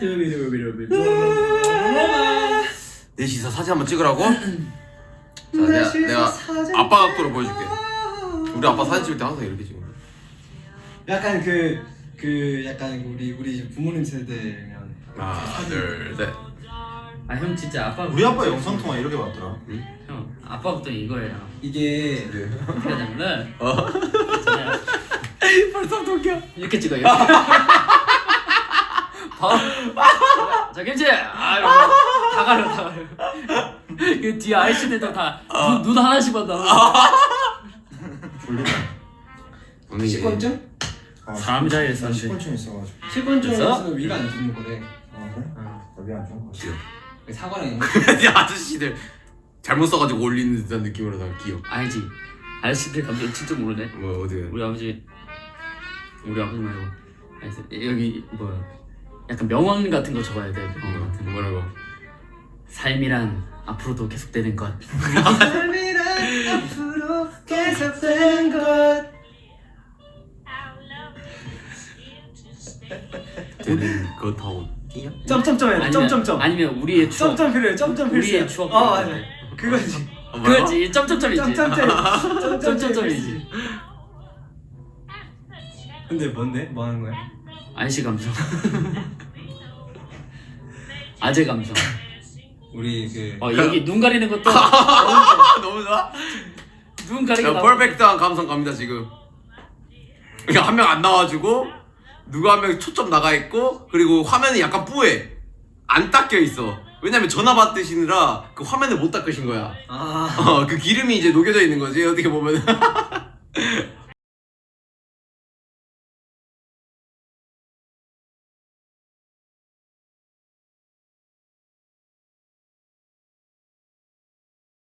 넷이서 사진 한번 찍으라고? 자, 내가 아빠 각도로 보여줄게. 우리 아빠 사진 찍을 때 항상 이렇게 찍는 거야. 약간 약간 우리 부모님 세대면 하나 둘셋. 아 형 진짜 아빠 우리 아빠 영상 통화 이렇게 봤더라. 형 아빠 걱정 이거예요. 이게 어떻게 하냐면은 벌써 웃겨. 이렇게 찍어요. 자 김치 이러고 다 가려. 그 뒤에 아이씨들도 다 눈 하나씩만 다. 졸리다. 식권증? 사람 자리에서 안 돼. 식권증 있어가지고. 식권증에서는 위가 안 주는 거래. 아 그래? 나비 안 좋은 거 같아. 사과랑 있는 이 아저씨들 잘못 써가지고 올리는 듯한 느낌으로 다 귀여워. 알지. 아저씨들 감정 진짜 모르네. 뭐 어디? 우리 아버지 말고 여기 뭐야 약간 명언 같은 거 적어야 돼. 명언 같은 거. 뭐라고? 삶이란 앞으로도 계속되는 것. 삶이란 앞으로 계속된 것. 되는 거 타고 뛰냐? 점점점해. 점점점. 아니면 우리의 추억. 점점 필요해. 점점 필요해. 우리의 추억. 맞아. 그거지. 그거지. 점점점이지. 점점점이지. 근데 뭔데? 뭐 하는 거야? 아저씨 감성. 아재 감성. 우리 여기 눈 가리는 것도 너무 좋아. 눈 가리기 야, 퍼펙트한 감성 갑니다 지금. 그냥 한 명 안 나와주고 누가 한 명 초점 나가 있고 그리고 화면이 약간 뿌해. 안 닦여 있어. 왜냐면 전화 받으시느라 그 화면을 못 닦으신 거야. 그 기름이 이제 녹여져 있는 거지 어떻게 보면.